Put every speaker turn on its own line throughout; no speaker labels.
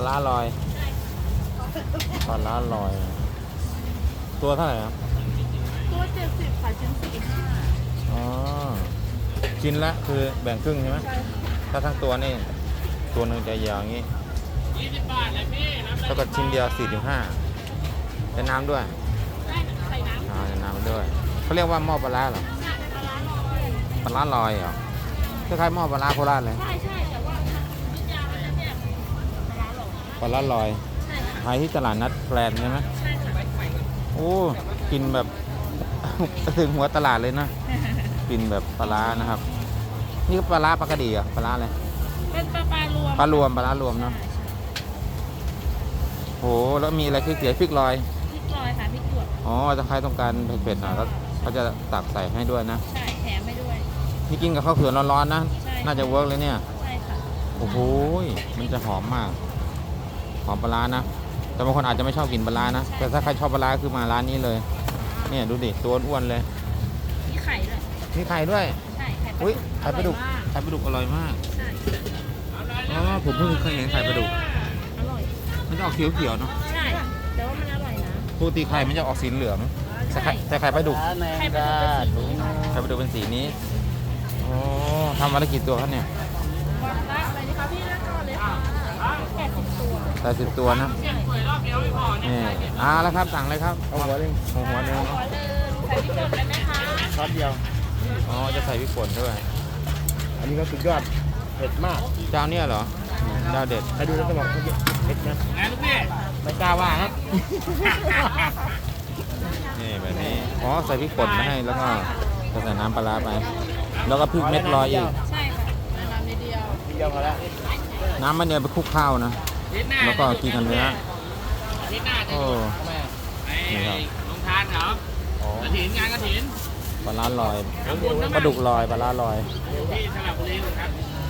ร้าลอยปลาร้าลอย ตัวเท่าไหร่ครับ
ตัว70ค่ะชิ้น45
อ๋อชิ้นละคือแบ่งครึ่งใช่ไหม
ใช่ค่ะ
ถ้าทั้งตัวนี่ตัวหนึ่งจะยาวอย่างนี้20 บาทเลยพี่เท่ากับชิ้นเดียว45เป็นน้ำด้วย
ได้ใส่น้ำ
ใส่น้ำด้วยเขาเรียกว่าหม้อปลาร้าเหรอ
ปลาร้าลอย
ปลาร้าลอยเหรอคล้ายๆหม้อปลาร้าโคราชเลย
ใช่แต่ว่าทางยุทธยามันจะเนี่ยปลาร้าหลอก
ปลาร้าลอย
ใช่ค่ะ
ขายที่ตลาดนัดแกลนใช่ไหม
ใช่ค่ะ
โอ้กินแบบ ถึงหัวตลาดเลยนะกินแบบปลาร้านะครับนี่ก็ปลาร้าปลากระดีอ่ะปลาร้าอะไร
เป็นปลารวม
ปลารวมปลาร้ารวมเนาะโหแล้วมีอะไรคือเสียพริกลอย
พริกลอยค่ะพริกหยวก
อ๋อถ้าใครต้องการเผ็ดๆหน่อยก็เขาจะตักใส่ให้ด้วยนะ
ใช่แถมไปด้วย
นี่กินกับข้าวเขือร้อนๆนะ
ใช่
น่าจะเวิร์กเลยเนี่ย
ใช่ค่ะ
โอ้โหมันจะหอมมากหอมปลาร้านะแต่บางคนอาจจะไม่ชอบกินปลาร้านะแต่ถ้าใครชอบปลาร้าคือมาร้านนี้เลยเนี่ยดูดิตัวอ้วนเลย
มีไข่ด้วย
มีไข่ด้วย
ใช่ไข่
อุ้ยไข่ปลาดุก
อร่อยมาก
ไข่ปลาดุกอร่อยมาก
ใช่
อ๋อผมเพิ่งเคยเห็นไข่ปลาดุก
อร่อย
มันจะออกเขียวๆเนาะ
ใช่แต่ว่ามันอร่อยนะ
ปกติไข่มันจะออกสีเหลืองแต่
ใช่
ไข่ปลาดุก
ไข่ปลาดุกเป็นสีนี้
ไข่ปลาดุกเป็นสีนี้โอ้ทำวันละกี่ตัวครับเนี่ย
วันละอะไรดีคะพี่เลือกก่อนเลยค่ะ80ตัว
80ตัวนะ
ใช่
นี่แล้วครับสั่งเลยครับเอาหัวหนึงเอาหัวหนึง
ขอเลยใส่พริกป่นได้ไหมคะ
ช็อตเดียว
อ๋อจะใส่พริกป่นด้วย
อันนี้ก็สุดยอดเผ็ดมาก
เจ้าเนี่ยเหรอเจ้าเด็ด
ใครดูแล้วจะบอกว่าเผ็ดนะไม่กล้าว่าครับ
นี่แบบนี้อ๋อใส่พริกป่นมาให้แล้วก็ใส่น้ำปลาร้าไป แล้วก็พริกเม็ดลอยอีก
ใช่ค่ะน้ำนิดเดียว
ทีเดียวพอแล้ว
น้ำมันเนี่ยไปคลุกข้าวนะ แล้วก็กินกันเนื้อโอ้นี่ครับ
ลงทานเหรอกระถินงานกระถิน
ปลาร้าลอยปลาดุกลอยปลาร้าลอย
ที่สระบุรีครับ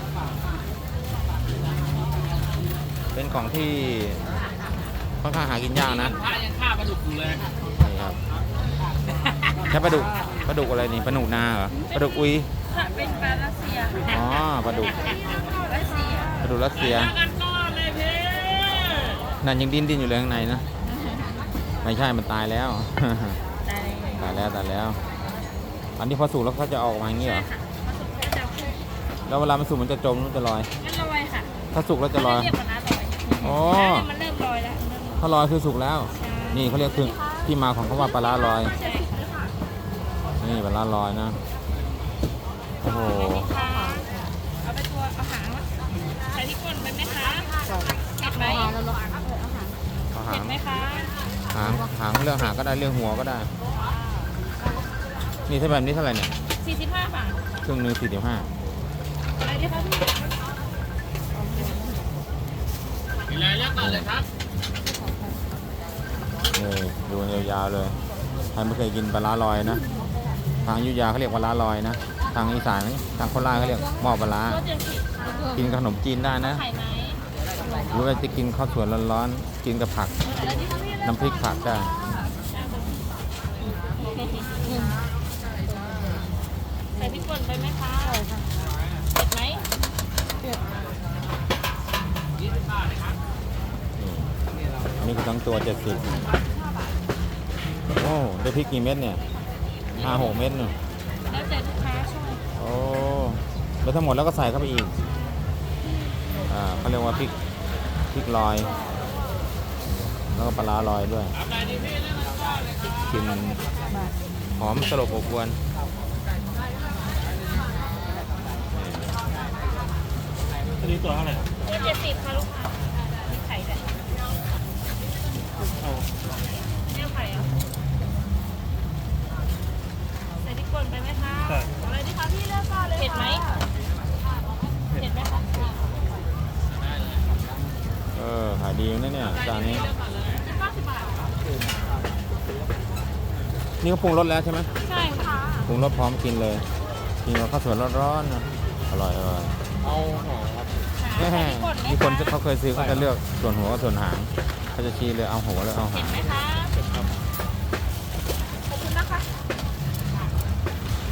เป็นของที่ค่อนข้างหากินยากนะ
พระยังฆ่าปลาดุกอยู่เลย
นี่ครับแค่ปลาดุกอะไรนี่ปลาหนูนาเหรอปลาดุกอุย
ค่ะเป็นปลารัสเซีย
อ๋อปลาดุก
รัสเซีย
ปลาดุกรัสเซีย
กันก้อนเลยพี่
นั่นยังดิ้นอยู่เลยข้างในนะไม่ใช่มันตายแล้ว
ได้เลย
ตายแล้วอันนี้พอสุกแล้วเขาจะออกมาอย่างนี้เหรอ
ค่ะผสมก็จะขึ้น
แล้วเวลามันสุกมันจะจมหรือมันจะลอย
มันลอยค่ะ
ถ้าสุกแล้วจะลอย
เรียกว่าน้ำลอย
อ๋อ
มันเริ่มลอยแล้ว
ถ้าลอยคือสุกแล้ว นี่เขาเรียกคือที่มาของคำว่าปลาร้าลอย
ใช่ค่ะ
นี่ปลาร้าลอยนะ โอ้โห
ค่ะเอาไปตัวเอาหางใส่ที่ก้นไปไหมคะเผ็ดไหม
เอา
เผ็
หาง
ดไหมคะ
หางเรื่องหางก็ได้เรื่องหัวก็ได้ นี่ถ้าแบบนี้เท่าไหร่เนี่ย
45 บาท
ครึ่งหนึง45
อะไรดีคะพี่
กินอะไรเลือกก่อนเลยครับ
นี่ดูยาวๆเลยใครไม่เคยกินปลาร้าลอยนะ ทางอยุธยาเขาเรียกปลาร้าลอยนะ ทางอีสานทางโคราชเขาเรียกหม้อปลาร้า
รสเดือดผิด
กินกับขนมจีนได้นะ
ไข่ไหม
หรือว่าจะกินข้าวสวยร้อนๆ กินกับผัก
อะไรดีคะพี่
น้ำพริกผักได้
ใส่พริกป่นไปไหมคะเผ็ดไหม
อันนี้คือทั้งตัว70โอ้ได้พริกกี่เม็ดเนี่ย5-6 เม็ดเนี่ย
แล้วแต่ลูกค้าชอบ
โอ้แล้วทั้งหมดแล้วก็ใส่เข้าไปอีกเขาเรียกว่าพริกลอย แล้วก็ปลาร้าลอยด้วยกลิ่นหอมสลบอบอวน
อันนี้ตัวเท่าไหร่ครับ
ตัว70ค่ะลูกค้ามีไข่ด้วย
เอา
เนี่ยไข่อ่ะใส่พริกป่นไปไหมคะอะไรดีคะพี่เลือกก่อนเลยเผ็ดไหมเผ็ดไหมคะ
ขายดีนะเนี่ยจานนี้
90 บาท
นี่ก็ปรุงรสแล้วใช่ไหม
ใช่ค่ะ
ปรุงรสพร้อมกินเลย กินกับข้าวสวยร้อนๆนะอร่อย
เอาหอครับ
มีคนเขาเคยซื้อเขาจะเลือกส่วนหัวกับส่วนหางเขาจะชี้เลยเอาหัวเลยเอาหาง
ไหมคะขอบคุณนะคะ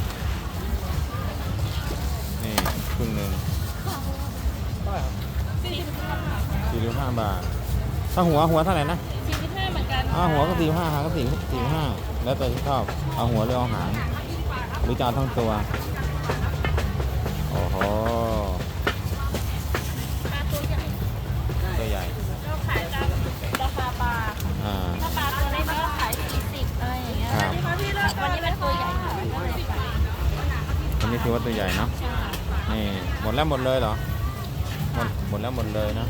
นี่ครึ่งหนึ่ง
เท่าไหร่ครับ
40
45 บาท ถ้าหัวเท่าไหร่นะ
45เหมือนกัน
หัวก็45หางก็45แล้วแต่ที่ชอบเอาหัวหรือเอาหางหรือจะเอาทั้งตัว โอ้โห
ปลาตัวใหญ่
ตัวใหญ่
ก็ขายตามราคาปลา
อ่า
ถ้าปลาตัวเล็กก็ขาย40อะไรอย่างเงี้ย
ครับ
วันนี้เป็นตัวใหญ่ค่ะก็เลยไป
อันนี้ถือว่าตัวใหญ่เนาะนี่หมดเลยเหรอหมดเลยนะ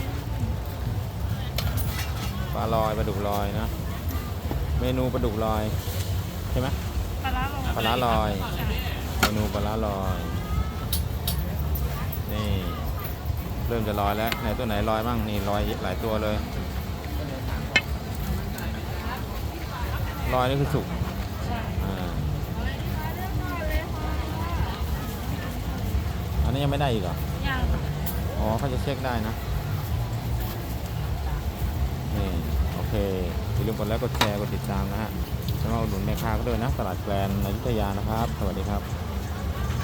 ปลาลอยปลาดุกลอยนะเมนูปลาดุกลอยใช่ไหม
ปลาร้าลง
ปลาร้าลอย เมนูปลาร้าลอยนี่เริ่มจะลอยแล้วไหนตัวไหนลอยบ้างนี่ลอยหลายตัวเลยลอยนี่คือสุกอ่าอันนี้ยังไม่ได้อีกเหรอ
ยัง
อ๋อเขาจะเช็คได้นะนี่โอเคอย่าลืมกดไลค์กดแชร์กดติดตามนะฮะแล้วมาอุดหนุนแม่ค้าก็ด้วยนะตลาดแกลนอยุธยานะครับสวัสดีครับ